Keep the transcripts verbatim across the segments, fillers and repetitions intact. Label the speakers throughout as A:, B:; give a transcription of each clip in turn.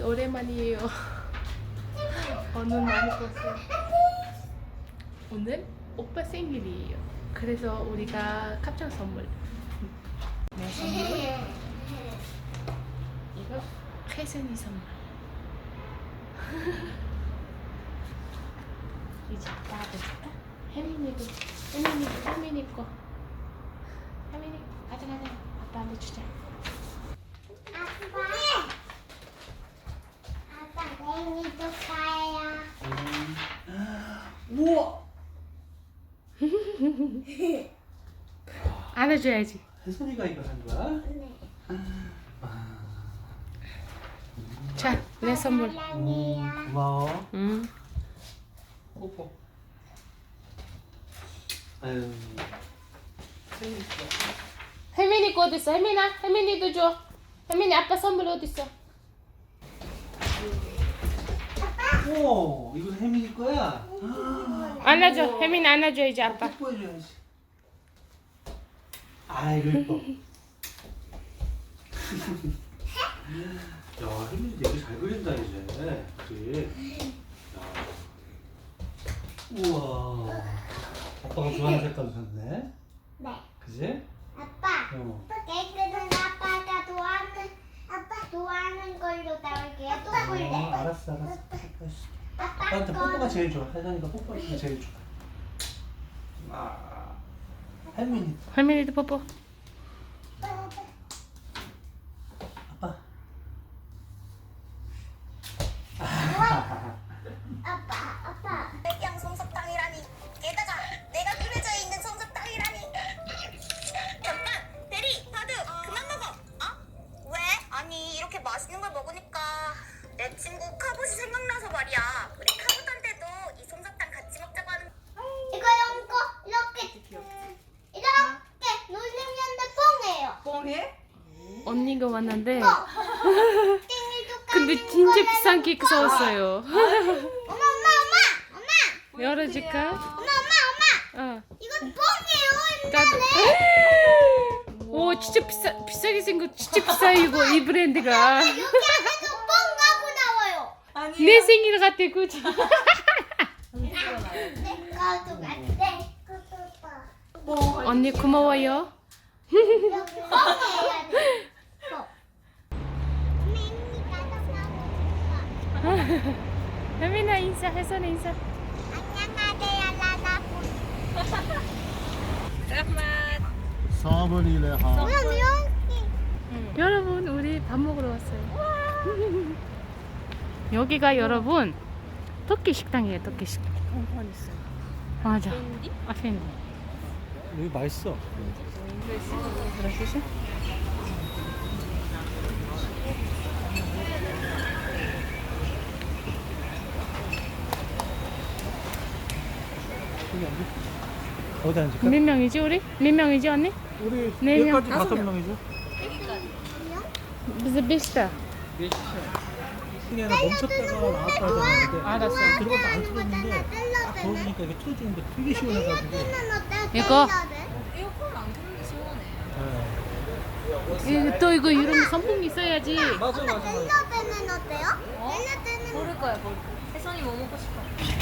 A: 오랜만이에요. 어, 눈 많이 떴어요. 오늘 오빠 생일이에요. 그래서 우리가 깜짝 선물. 내 선물. 이거 혜선이 선물. 이제 나도 혜민이도 혜민이도 혜민이 거. 혜민이 가자 가자. 아빠한테 주자.
B: 생일도 가요.
C: 우와!
A: 안아줘야지.
C: 혜선이가 이거 한 거야?
B: 네.
A: 자, 내 선물.
C: 음, 고마워.
A: 응.
C: 뽀뽀. 아유. 생일 축하.
A: 혜민이 거 어디 있어? 혜민아, 혜민이도 줘. 혜민이 아빠 선물 어디 있어?
C: 우와, 이건 혜민이 거야?
A: 안아줘. 혜민이 안아줘야지 아빠.
C: 뽀뽀해줘야지. 아이고 이뻐. 야, 혜민이 되게 잘 그린다 이제. 그치? 야. 우와. 아빠가 좋아하는 색깔 샀네.
B: 네.
C: 그지?
B: 아빠.
C: 어.
B: 깨끗한 아빠가 좋아하는 아빠 좋아하는 걸로 나올게요. 또
C: 어,
B: 볼래.
C: 알았어, 알았어. 뽀뽀했어.
B: 아빠
C: 나한테 뽀뽀가
B: 거.
C: 제일 좋아. 혜선이가 뽀뽀할 때 제일 좋아. 아, 혜민이.
A: 혜민이도 뽀뽀.
C: 아빠.
B: 아빠 아빠.
D: 백양 솜사탕이라니. 게다가 내가 그려져 있는 솜사탕이라니. 잠깐, 대리, 다들 그만 먹어. 어? 왜? 아니 이렇게 맛있는 걸 먹으니까 내 친구 카봇이 생각나서 말이야. 우리 카봇한테도 이 솜사탕 같이 먹자고 하는.
B: 이거 연거 이렇게 음, 이렇게 누르면 뽕해요.
A: 언니가 왔는데
B: 뽕. 생일도
A: 근데
B: 까는
A: 진짜
B: 거라는
A: 비싼 케이크
B: 뽕.
A: 사왔어요.
B: 엄마 엄마 엄마 엄마
A: 열어줄까?
B: 엄마 엄마 엄마
A: 어.
B: 이건 뽕이에요
A: 나도.
B: 옛날에.
A: 오 진짜 비싸 비싸게 생겼 진짜 비싸 이거 이 브랜드가.
B: 여기 안에서 뽕 가고 나와요.
A: 내 생일 같아 그지?
B: 내 거도 같대.
A: 언니 고마워요.
B: 여기 뽕이에요. 뽕. 혜민이가 더 가고 싶어.
A: 혜민아 인사 혜선이 인사.
B: 안녕하세요 라라군.
C: 사번이래 하.
B: 그럼 여기
A: 여러분 우리 밥 먹으러 왔어요. 여기가 여러분 터키 식당이에요. 터키 식당. 맞아. 아 펜디.
C: 여기 맛있어.
A: 그러시죠?
C: 여기 앉아. 어디 앉을까?
A: 몇 명이지 우리? 몇 명이지 언니?
C: 우리
A: 네 명.
C: 여기까지 다섯 명이죠?
A: 무슨 비슷해?
C: 그냥 멈췄다가 나왔다 하는데
A: 알았어.
C: 들어가서 안 틀었는데 딱 더우니까 이게 틀어주는데 되게 시원해가지고.
A: 이거?
C: 네.
A: 이거 또 이거 이런 선풍기 있어야지.
C: 맞아 맞아 맞아.
B: 텔러 때는 어때요? 텔러 때는
D: 모를 거야, 모를 거야. 혜선이 뭐 먹고 싶어?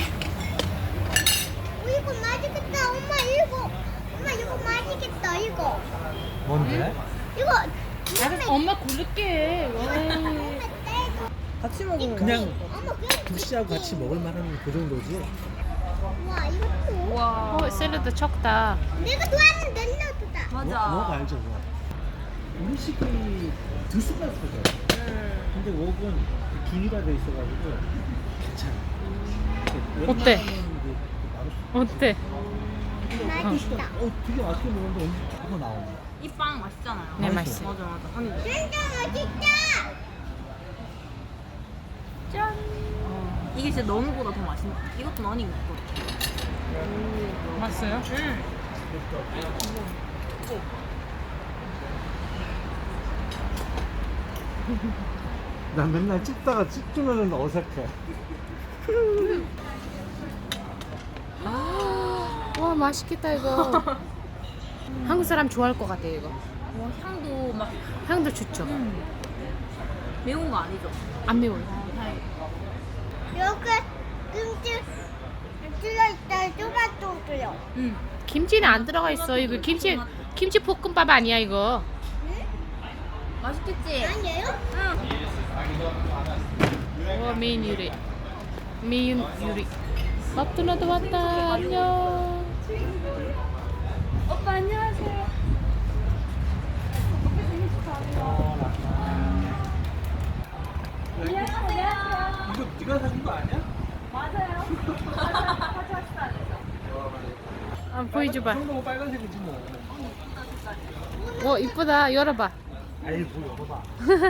B: 어, 이거 맛있겠다. 엄마 이거. 엄마 이거 맛있겠다. 이거.
C: 뭔데?
B: 이거.
A: 알았어 엄마 고를게. 와.
C: 같이 먹으면 그냥
B: 엄마 그냥
C: 국시하고 같이 먹을 만한 그 정도지.
B: 와 이것도.
A: 와. 어 샐러드 적다.
B: 내가 좋아하는 샐러드다.
D: 맞아.
C: 뭐, 뭐가 알죠 뭐. 음식이 들쑥날쑥해. 근데 웍은 균일화 돼 있어가지고 괜찮아.
A: 어때?
C: 웬만하면 이제 맛없어.
A: 어때?
B: 맛있다.
C: 어, 되게 맛있게 먹었는데 음식 자꾸 나오네.
D: 이 빵 맛있잖아요.
A: 네
C: 맛있어.
A: 맛있어.
D: 맞아, 맞아. 아니,
B: 진짜 맛있다.
D: 짠. 이게 진짜 너무보다 더 맛있는 것 같아. 이것도 많이 먹고.
A: 맛있어요?
D: 응.
C: 난 맨날 찍다가 찍으면 어색해.
A: 와 맛있겠다 이거. 한국 사람 좋아할 것 같아 이거.
D: 와, 향도 막.
A: 향도 좋죠.
E: 매운 거 아니죠?
A: 안 매워요.
B: 이렇게 김치 들어있다 토마토도요.
A: 응. 김치는 안 들어가 있어. 이거 김치 김치 볶음밥 아니야 이거.
E: 맛있겠지?
B: 아니에요?
A: 와 메인 요리. 메인 요리. 마트나도 왔다. 안녕.
E: 오빠 안녕하세요.
C: 이거 네가 사준 거 아니야?
E: 맞아요.
A: 아, 보여줘봐.
C: 너무 빨간색이지 뭐.
A: 오 이쁘다. 열어봐.
C: 아이 뭐 열어봐.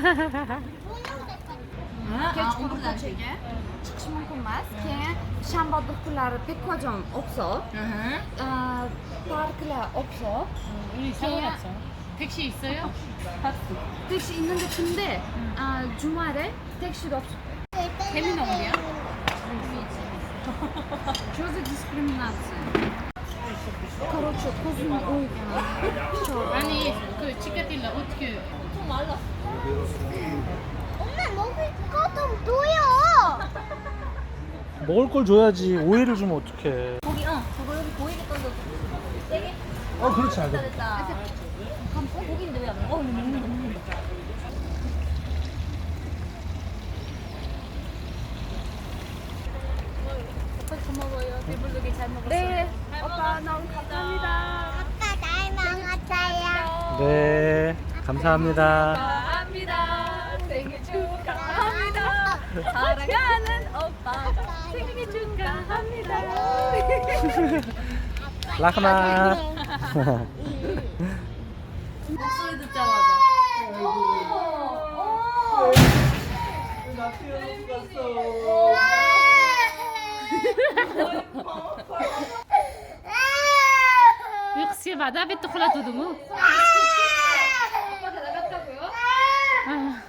E: 치치몬코마스 샴바도클라르 백화점 없어. 아 파르클라 없어.
A: 우리 상관없어. 택시 있어요?
E: 택시 있는데 근데 아 주말에 택시도 없어.
A: 재미는 어디야?
E: 저도 디스크리미나ция. короче 고슴 오이가.
A: 아니 그 치카틸라 어떻게?
B: 엄마 먹을 거 좀 줘요.
C: 먹을 걸 줘야지. 오해를 주면 어떡해.
E: 고기 어 그거 여기 보이게 던져. 세게.
C: 어 그렇지
E: 됐다
C: 않아.
E: 됐다. 감 어, 고기인데 왜 안 먹어? 어 먹는다 먹는다.
A: 고마워요. 배불르게 잘 먹었어.
E: 네. 오빠 너무 감사합니다.
B: 아빠 잘 먹었어요.
C: 네. 감사합니다.
E: 축하합니다. 생일 축하합니다. 사랑하는 오빠가 생일 축하합니다.
C: 라크마.
E: 목소리 듣자마자.
A: 역시 마다비 토콜라도 두무.
E: 오빠가 나갔다고요?
A: 아.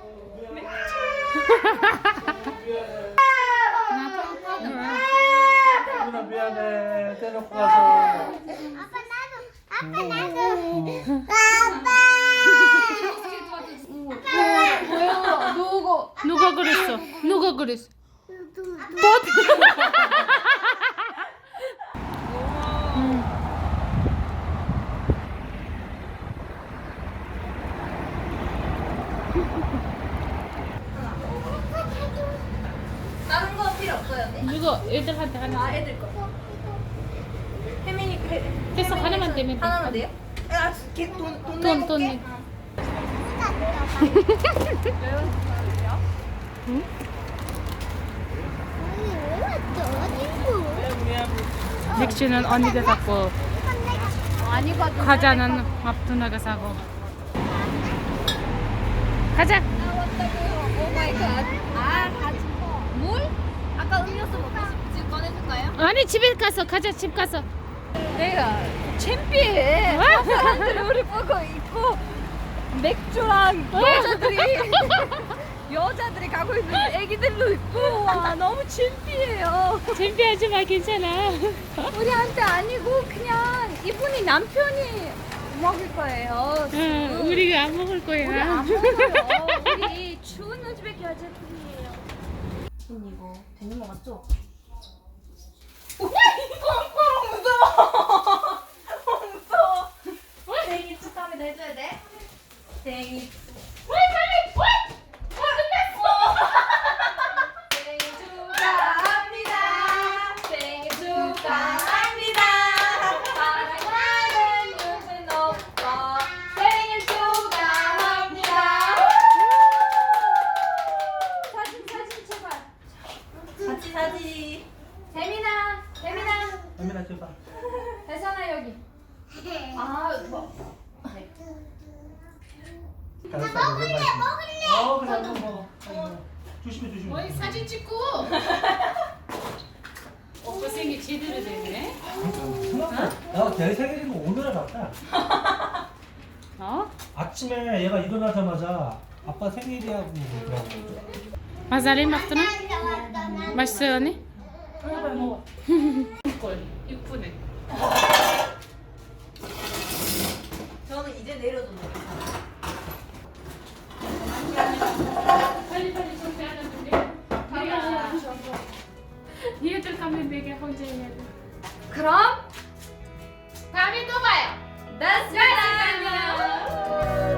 C: 누나 미안해. 떼놓고 가서.
B: 아빠 나도. 아빠 나도. 아빠.
E: 뭐야? 누구?
A: 누가 그랬어? 누가 그랬어?
E: 다른 거 필요 없어요, 네?
A: 이거 애들한테 하나.
E: 아, 애들 거. 혜민이 그
A: 됐어 하나만 되면 돼.
E: 하나만 돼요? 아, 걔돈 돈
A: 돈,
E: 내고
A: 돈.
E: 올게.
A: 응?
B: 왜 왔어? 친구.
A: 맥주는 언니가 사고
E: 아니, 가
A: 과자는 앞두나가 사고. 가자.
E: 오 마이 갓. 아, 가지. 물? 아까 음료수 먹고 싶지 꺼내줄까요?
A: 아니 집에 가서 가자 집 가서.
E: 내가 창피해. 다 사람들이 우리 보고 있고 맥주랑 여자들이 여자들이 가고 있는 애기들도 있고 와 너무 창피해요.
A: 준비하지 마 괜찮아.
E: 우리한테 아니고 그냥 이분이 남편이 먹을 거예요.
A: 응, 우리가 안 먹을
E: 우리
A: 거야.
E: 안 먹어요. 우리 추운 우즈베키 여자분이에요. 언니 이거 되는 거 맞죠? 무서워. 무서워. 생일 축하합니다 해줘야 돼. 생일. 생일 축하합니다. 생일 축하합니다. 사랑하는 유진 오빠 생일 축하합니다. 사진 사진 제발. 같이 사진. 재민아, 재민아,
C: 아미나 줘봐.
E: 대선아 여기. 아, 뭐.
C: 먹을래 먹을래. 어 그래 한번 먹어. 먹어. 조심해 조심해.
A: 어이 사진 찍고. 오빠 생일 제대로 되네.
C: 나 내 생일이고 오늘에 봤다.
A: 어?
C: 아침에 얘가 일어나자마자 아빠 생일이라고 그러더라고.
A: 마사리 막두나? 맛있어요 언니? 꼴 이쁘네.
E: 저는 이제 내려줬는데. 그럼
A: 다음에 또 봐요.
E: 다시 만나요.